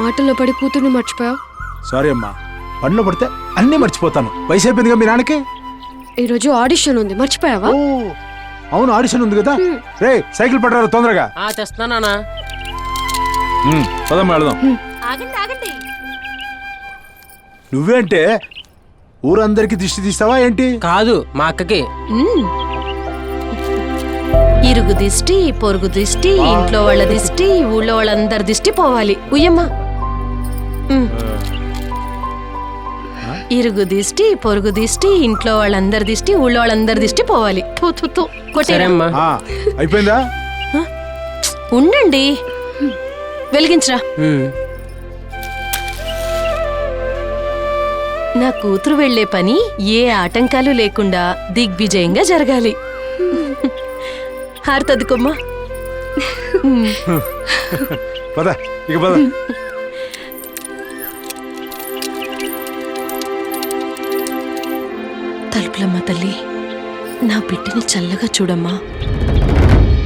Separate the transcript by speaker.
Speaker 1: మాటల్లో పడి కూతుర్ని మర్చిపోయావు.
Speaker 2: సారీ అమ్మా, పనిలో పడితే అన్నీ మర్చిపోతాను. వయసు అయిపోయిందిగా మీ నాన్నకి.
Speaker 1: ఈరోజు ఆడిషన్ ఉంది, మర్చిపోయావా?
Speaker 2: ఓ అవును, ఆడిషన్ ఉంది కదా. రే సైకిల్ పట్టరా తొందరగా.
Speaker 3: తెస్తున్నానా?
Speaker 2: పదమ్మా వెళదాం.
Speaker 4: ఆగండి ఆగండి.
Speaker 2: నువ్వేంటే ఊరందరికి దిష్టి తీస్తావా ఏంటి?
Speaker 3: కాదు, మా అక్కకి.
Speaker 4: ఇరుగు దిష్టి, పొరుగు దిష్టి, ఇంట్లో వాళ్ళ దిష్టి, ఊళ్ళో వాళ్ళందరి దిష్టి పోవాలి. ఉయ్యమ్మా. ఇరుగు దిష్టి, పొరుగు దిష్టి, ఇంట్లో వాళ్ళందరి దిష్టి, ఊళ్ళో వాళ్ళందరి దిష్టి పోవాలి.
Speaker 3: సరేమ్మా.
Speaker 2: అయిపోయిందా?
Speaker 4: ఉండండి, వెలిగించరా. నా కూతురు వెళ్లే పని ఏ ఆటంకాలు లేకుండా దిగ్విజయంగా జరగాలి. హారతద్దుకోమ్మా.
Speaker 2: పద ఇక పద.
Speaker 4: తలుపులమ్మ తల్లి, నా బిడ్డని చల్లగా చూడమ్మా.